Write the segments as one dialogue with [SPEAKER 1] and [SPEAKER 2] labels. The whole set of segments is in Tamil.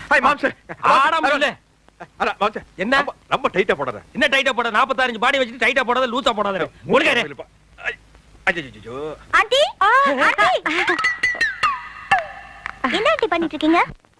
[SPEAKER 1] ஹாய் மாம்சே.
[SPEAKER 2] ஆடம்பரம்ல.
[SPEAKER 1] அட மாம்சே,
[SPEAKER 2] என்ன
[SPEAKER 1] ரொம்ப டைட்டா போடுற.
[SPEAKER 2] என்ன டைட்டா போட? 45 பாடி வச்சிட்டு டைட்டா போடாத, லூசா போடாத. ஒழுங்கா இரு.
[SPEAKER 1] ஐயோ.
[SPEAKER 3] Aunty, aunty. என்ன ஆண்டி பண்ணிட்டு இருக்கீங்க?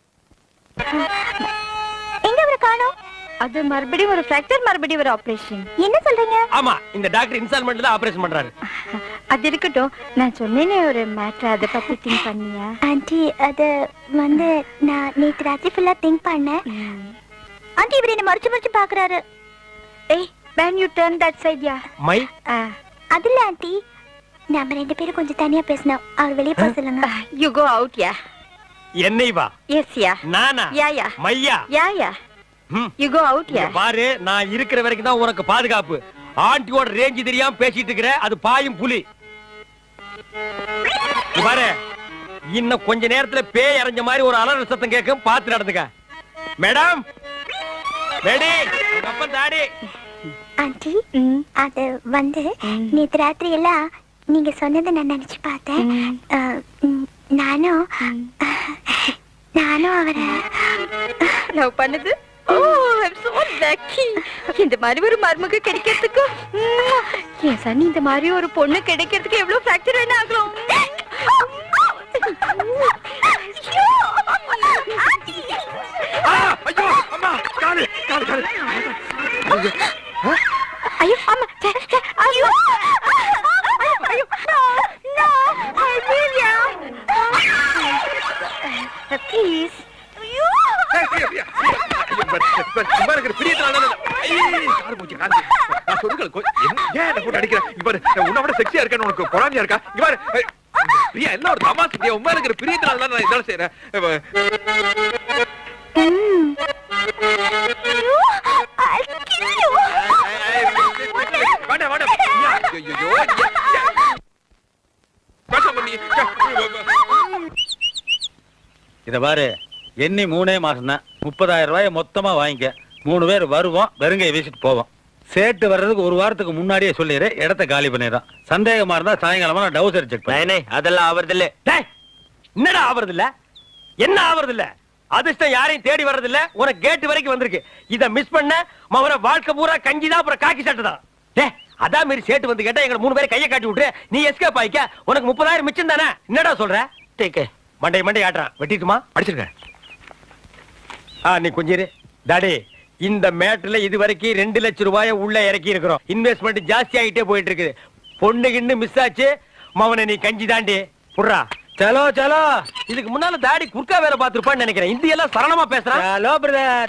[SPEAKER 3] எங்க அவரை காணோம்?
[SPEAKER 4] அது மறுபடியும் ஒரு ஃபிராக்சர், மறுபடியும் ஒரு ஆபரேஷன்.
[SPEAKER 3] என்ன சொல்றீங்க?
[SPEAKER 2] ஆமா, இந்த டாக்டர் இன்ஸ்டால்மெண்ட்ல தான் ஆபரேஷன் பண்றாரு.
[SPEAKER 4] அது இருக்கட்டும், நான் சொன்னேனே ஒரு மேட்டர், அதை பத்தி திங்க் பண்ணியா?
[SPEAKER 3] ஆண்டி, அது வந்து நான் நேத்து ராத்திரி ஃபுல்லா திங்க் பண்ணேன். ஆண்டி, இவர் என்ன மறைச்சு மறைச்சு பாக்குறாரு.
[SPEAKER 4] ஏய், when you turn that side, yeah.
[SPEAKER 2] மை
[SPEAKER 3] அதுல ஆண்டி, நம்ம 2 பேரும் கொஞ்சம் தனியா பேசணும். அவர் வெளியே போக சொல்லுங்க.
[SPEAKER 4] You go out, yeah.
[SPEAKER 2] என்னை வா.
[SPEAKER 4] Yes, yeah.
[SPEAKER 2] நானா?
[SPEAKER 4] Yeah, yeah.
[SPEAKER 2] மையா?
[SPEAKER 4] Yeah, yeah. You go out, yeah.
[SPEAKER 2] பாரு, நான் இருக்கிற வரைக்கும் தான் உனக்கு பாதுகாப்பு. ஆண்டியோட ரேஞ்ச் தெரியாம பேசிட்டு இருக்கற, அது பாயும் புலி. பாரு, இன்னும் கொஞ்ச நேரத்துல பேய் அரைஞ்ச மாதிரி ஒரு அலறல் சத்தம் கேட்கும், பார்த்து நடந்துக்க. மேடம், மேடி, உங்க அப்பா தாடி.
[SPEAKER 3] ஆண்டி, அது வந்து நேத்து ராத்திரி எல்லாம் நீங்க சொன்னதை நான் நினைச்சு பார்த்தேன். நானும் அவரை
[SPEAKER 4] லவ் பண்ணது. Oh, I'm so lucky. இந்த மாதிரி ஒரு மருமக கிடைக்கிறதுக்கு என் சனி, இந்த மாதிரி ஒரு பொண்ணு கிடைக்கிறதுக்கு எவ்வளவு ஃபிராக்சர் வேணா ஆகலாம்.
[SPEAKER 1] ஐயோ அம்மா, காலு காலு காலு.
[SPEAKER 4] ஐயோ அம்மா, ஐயோ ஐயோ, no, Amelia, please.
[SPEAKER 1] செக்ஸியா இருக்க உனக்கு பொறாமையா இருக்கா? பிரியா, எல்லாம் ஒரு தமாசு. உண்மை இருக்கிற பிரியத்தினால நான் இதெல்லாம் செய்யறேன்.
[SPEAKER 5] இத பாரு, எண்ணி 3 மாசம் தான். 30,000 ரூபாய் மொத்தமா வாங்கிக்க. 3 பேர் வருவோம், வெறுங்கையை வீசிட்டு போவோம். சேட்டு வர்றதுக்கு ஒரு வாரத்துக்கு முன்னாடியே சொல்லிடு, இடத்த காலி பண்ணிடுறான். சந்தேகமா இருந்தா சாயங்காலமா நான் டவுசர் செக் பண்ணேன்.
[SPEAKER 2] அதெல்லாம் ஆவறது இல்ல. என்னடா ஆவறது இல்ல? என்ன ஆவறது இல்ல? அதிர்ஷ்டம் யாரையும் தேடி வர்றது இல்ல. உனக்கு கேட் வரைக்கும் வந்திருக்கு. இத மிஸ் பண்ண மவன வாழ்க்கை பூரா கஞ்சிதான், அப்புறம் காக்கி சட்டை தான். அதான் மாரி சேட்டு வந்து கேட்டா எங்க 3 பேரை கையை காட்டி விட்டு நீ எஸ்கேப் ஆயிக்க. உனக்கு 30,000 மிச்சம் தானே. என்னடா சொல்ற? மண்டை ஆட்டுறான். வெட்டிட்டுமா? அடிச்சிருக்க. நீ கொஞ்சம் டாடி, இந்த மேட்ல இது வரைக்கும் 2 லட்சம் ரூபாய உள்ள இறக்கி இருக்கிறோம். இன்வெஸ்ட்மெண்ட் ஜாஸ்தி ஆகிட்டே போயிட்டு இருக்குது. பொண்ணு கிண்ணு மிஸ் ஆச்சு. மவனை நீ கஞ்சி தாண்டி புடுறா. சலோ சலோ. இதுக்கு முன்னால தாடி குறுக்கா வேற பாத்துருப்பான்னு நினைக்கிறேன். இந்தி எல்லாம் சரளமா பேசுறான். Hello brother.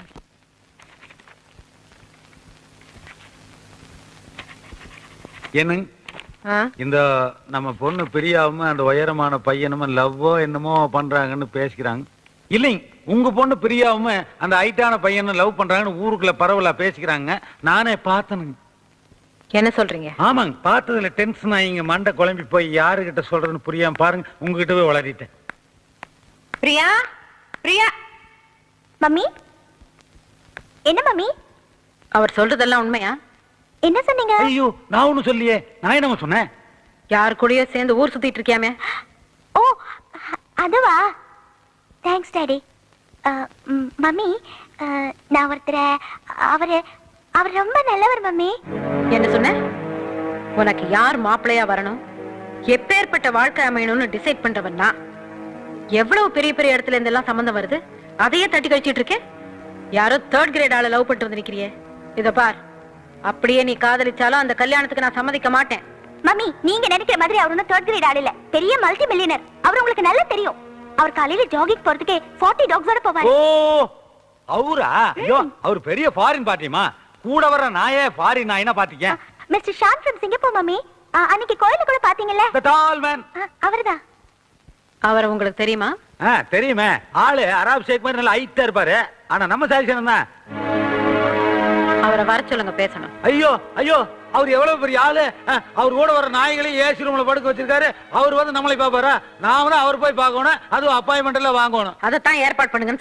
[SPEAKER 5] என்னங்க இந்த நம்ம பொண்ணு பிரியாவும் அந்த உயரமான பையனும் லவ்வோ என்னமோ பண்றாங்கன்னு பேசிக்கிறாங்க. இல்லைங்க, உங்க பொண்ணு பிரியாவும் அந்த ஹைட்டான பையனும் லவ் பண்றாங்கன்னு ஊருக்குள்ள பரவலா பேசிக்கிறாங்க. நானே பார்த்தனுங்க.
[SPEAKER 4] என்ன சொல்றீங்க?
[SPEAKER 5] ஆமாங்க, பார்த்ததுல டென்ஷன் ஆகிங்க, மண்டை குழம்பி போய் யாருகிட்ட சொல்றதுன்னு புரியாம பாருங்க, உங்ககிட்டவே வளரிட்டேன்.
[SPEAKER 4] பிரியா, பிரியா.
[SPEAKER 3] மம்மி, என்ன மம்மி?
[SPEAKER 4] அவர் சொல்றதெல்லாம் உண்மையா?
[SPEAKER 3] என்ன சொன்னீங்க?
[SPEAKER 5] ஐயோ, நான் ஒண்ணும் சொல்லியே. நான் என்ன சொன்னேன்?
[SPEAKER 4] யார் கூடயோ சேர்ந்து ஊர் சுத்திட்டு இருக்கியாமே.
[SPEAKER 3] ஓ, அதுவா? Thanks daddy. மம்மி, நான் ஒருத்தர அவர் ரொம்ப நல்லவர் மம்மி.
[SPEAKER 4] என்ன சொன்ன? உனக்கு யார் மாப்பிள்ளையா வரணும், எப்பேற்பட்ட வாழ்க்கை அமையணும்னு டிசைட் பண்றவன் நான். எவ்வளவு பெரிய பெரிய இடத்துல இருந்தெல்லாம் சம்பந்தம் வருது, அதையே தட்டி கழிச்சிட்டு இருக்கேன். யாரோ 3rd கிரேட் ஆள லவ் பண்ணிட்டு வந்து நிக்கிறியே. இத பார், அப்படியே நீ காதலிச்சாலும் அந்த கல்யாணத்துக்கு நான் சம்மதிக்க மாட்டேன்.
[SPEAKER 3] மம்மி, நீங்க நினைக்கிற மாதிரி அவர் ஒன்னும் 3rd கிரேட் ஆள் இல்ல. பெரிய மல்டி மில்லியனர். அவர் உங்களுக்கு நல்லா தெரியும். அவர் காலையில ஜாகிங் போறதுக்கு 40 டாக்ஸோட போவாரு.
[SPEAKER 5] ஓ, அவரா? ஐயோ, அவர் பெரிய ஃபாரின் பார்ட்டிமா. கூட வர நாயே ஃபாரின் நாயினா பாத்தீங்க.
[SPEAKER 3] Mister Shan from Singapore mummy. அன்னைக்கு கோயில்ல கூட பாத்தீங்கல்ல?
[SPEAKER 5] The tall man.
[SPEAKER 3] அவர்தான்.
[SPEAKER 4] அவர் உங்களுக்கு தெரியுமா?
[SPEAKER 5] தெரியுமே. ஆளு அராப் ஷேக் மாதிரி நல்லா ஹைட்டா இருப்பாரு. ஆனா நம்ம சாதிச்சனம் தான்.
[SPEAKER 4] அவரை வர சொல்லுங்க, பேசணும்.
[SPEAKER 5] ஐயோ ஐயோ, அவர் எவ்வளவு பெரிய ஆளு. அவர் கூட வர நாய்களையும் ஏசி ரூம்ல படுக்க வச்சிருக்காரு. அவர் வந்து நம்மளை பாப்பாரா? நாம தான் அவர் போய் பார்க்கணும். அதுவும் அப்பாயின்மெண்ட் எல்லாம் வாங்கணும்.
[SPEAKER 4] அதைத்தான் ஏற்பாடு பண்ணுங்க.